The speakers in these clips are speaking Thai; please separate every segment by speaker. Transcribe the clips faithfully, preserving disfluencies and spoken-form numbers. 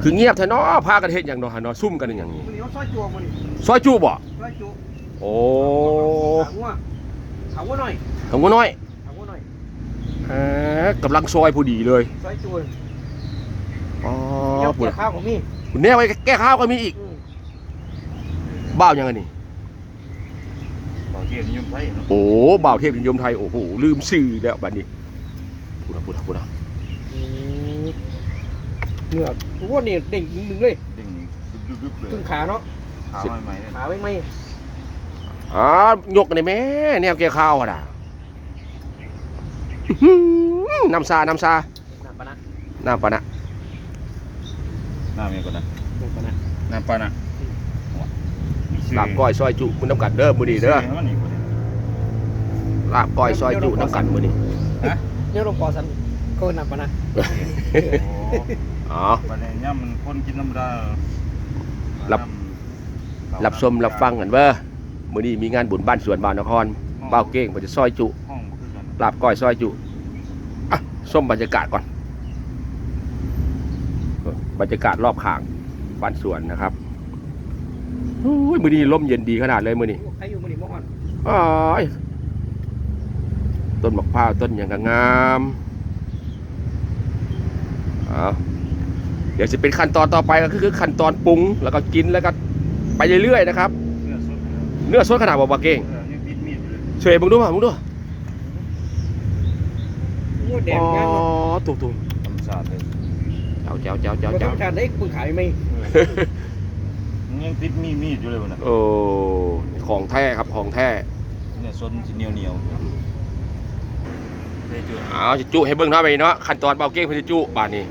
Speaker 1: คือเงียบแท้เนาะพากันเฮ็ดหยังเนาะฮะเนาะซุ่มกันอย่างนี้
Speaker 2: มันนี้เขาซอยจั่วมันนี่
Speaker 1: ซอยจุบ่
Speaker 2: ซอยจุ
Speaker 1: โอ้
Speaker 2: ขาวัวขาวัวหน่อย
Speaker 1: ทำกูน้อย
Speaker 2: ขาวัวหน่อย
Speaker 1: ฮะกำลังซอยพอดีเลย
Speaker 2: ซอยจั่ว
Speaker 1: อ๋อ
Speaker 2: เกี่ยว
Speaker 1: ปุ่น
Speaker 2: กับข้าวของมี่
Speaker 1: คุณแน่ไว้แก้ข้าวก็มีอีกบ้าวยังไงนี่
Speaker 3: บ่าวเทียนนิยมไทยเนาะ
Speaker 1: โอ้บ่าวเทพนิยมไทยโอ้โหลืมชื่อแล้วบัดนี้พูดนะพูดนะพูดนะ
Speaker 2: เนื้อวัวนี่เด้งมึงเลย
Speaker 3: เด้งดึบๆเลย
Speaker 2: ขึ้นขาเนาะ
Speaker 3: ขาใหม่ๆเลย
Speaker 2: ขาไม่ไม่
Speaker 1: อ๋อยกกันได้แม่แนวแก้ข้าวอ่ะด่าอื้อหือน้ำซาน้ำซา
Speaker 2: น้ำปะนะ
Speaker 1: น้ำปะนะ
Speaker 3: หน้าเมียก่อนนะ
Speaker 2: น้ำปะนะ
Speaker 3: หน้าปานะ
Speaker 1: ลาบก้อยซอยจุคุณน้ำกัดเด้อมื้อนี้เด้อลาบก้อยซอยจุน้ำกัดมื้อนี้
Speaker 2: เนี่ยหลวงพ่อสันก็น้ำปะนะ
Speaker 1: อ๋อ
Speaker 3: ประเด็นเนี่ยมันคนกินน้ำดา
Speaker 1: รับชมรับฟังกันเว้อมื้อนี้มีงานบุญบ้านสวนบ้านนครบ่าวเก้งเพิ่นจะซอยจุ
Speaker 3: ห้องบ่คือกัน
Speaker 1: ลาบก้อยซอยจุอ่ะส้มบรรยากาศก่อนบรรยากาศรอบข้างบ้านสวนนะครับโอ้ยมื้อนี้ลมเย็นดีขนาดเลยมื้อนี้
Speaker 2: ใครอยู่มันนี่บ่อ่อน
Speaker 1: อ้ายต้นมะพร้าวต้นอย่างก็งามเอาเดี๋ยวจะเป็นขั้นตอนต่อไปก็คือขั้นตอนปรุงแล้วก็กินแล้วก็ไปเรื่อยๆนะครับ
Speaker 3: เนื้อสด
Speaker 1: เนื้อสดขนาดบ่บ่เก้ง
Speaker 3: เออยังติดมีดอยู่เลย
Speaker 1: ช่วยมึงดูมามึงดู
Speaker 2: วัวแดง
Speaker 1: อ๋
Speaker 2: งาม
Speaker 1: อ
Speaker 2: เนาะ
Speaker 1: ถูกถูก
Speaker 3: ธรรมชาติเลย
Speaker 1: เจ้าเจ้าเจ้าเจ้า
Speaker 2: บ่ต้
Speaker 1: เจ้า
Speaker 2: องการได้คุณขายไหม
Speaker 3: ยังติดมีดมีดอยู่เลยวันน่ะ
Speaker 1: โอ้ของแท้ครับของแท้
Speaker 3: เนื้อสดสิเหนียวเหนียวได้จุ
Speaker 1: เอาจะจุให้เบิ่งเท่าไปเนาะขั้นตอนเบาเก้งเพิ่นจะจุบาดนี้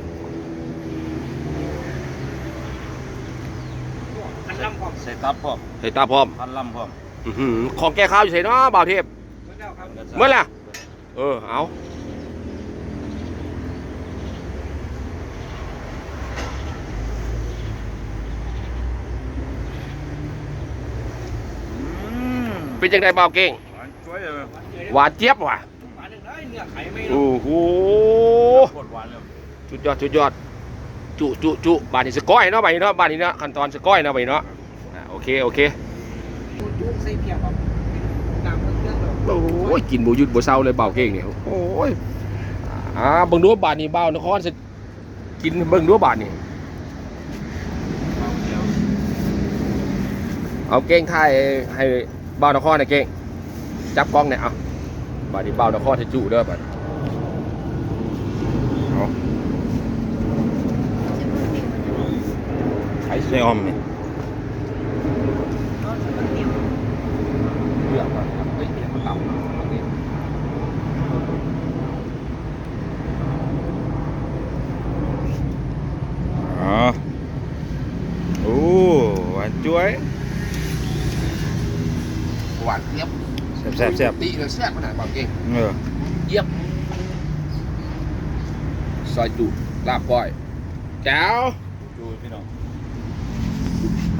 Speaker 2: อันลำพร้อม
Speaker 3: ใส่ตับพร้อม
Speaker 1: ใส่ตาพร้อม
Speaker 3: พันลำพร้อม
Speaker 1: อื้อหือของแก้ข้าวอยู่ไสเนาะบ่าวเทพ
Speaker 2: เมื่อแล้วครับ
Speaker 1: เมื่อไหร่เออเอาเป็นจังไดบ่าวเก้ง
Speaker 3: ช่วยเลย
Speaker 1: หวานเจี๊ยบว่ะ
Speaker 2: หวานได้เนื้อไข่ไม่เนาะ
Speaker 1: โอ้โห
Speaker 3: ปวดหวานเลย
Speaker 1: สุดยอดสุดยอดจุจุจุบานนี้สก้อยเนาะบานนี้เนาะบานนี้เนาะขั้นตอนสก้อยเนาะบานนี้เนาะอ่ะโอเคโอเค
Speaker 2: จุ๊ใส่เพียบครับน้ำเครื่องเรา
Speaker 1: โอ้ยกินบ่หยุดบ่เศร้าเลยเบาเก่งเนี่ยโอ้ยอ่าเบิ่งดูบานนี้เบานครสิกินเบิ่งดูบานนี้เอาเก่งถ่ายให้เบานครน่ะเก่งจับกล้องเนี่ยเอาบานนี้เบานครให้จุเด้อบาดเอาไข่
Speaker 3: ใส่ออมนี่
Speaker 1: เลือกก่อนครับเฮ้ยเดี๋ยวมันต่ำโอเค
Speaker 3: อ๋อโอ้หวานจ้วย
Speaker 1: หวานเจี๊ยบ
Speaker 3: แซ่บแซ่บแซ่บ
Speaker 1: ตีเลยแซ่บขนาดเบาเก่ง
Speaker 3: เออ
Speaker 1: เยี่ยมซอยจุลาบก้อยแจ๋ว
Speaker 3: ดูพี่น้อง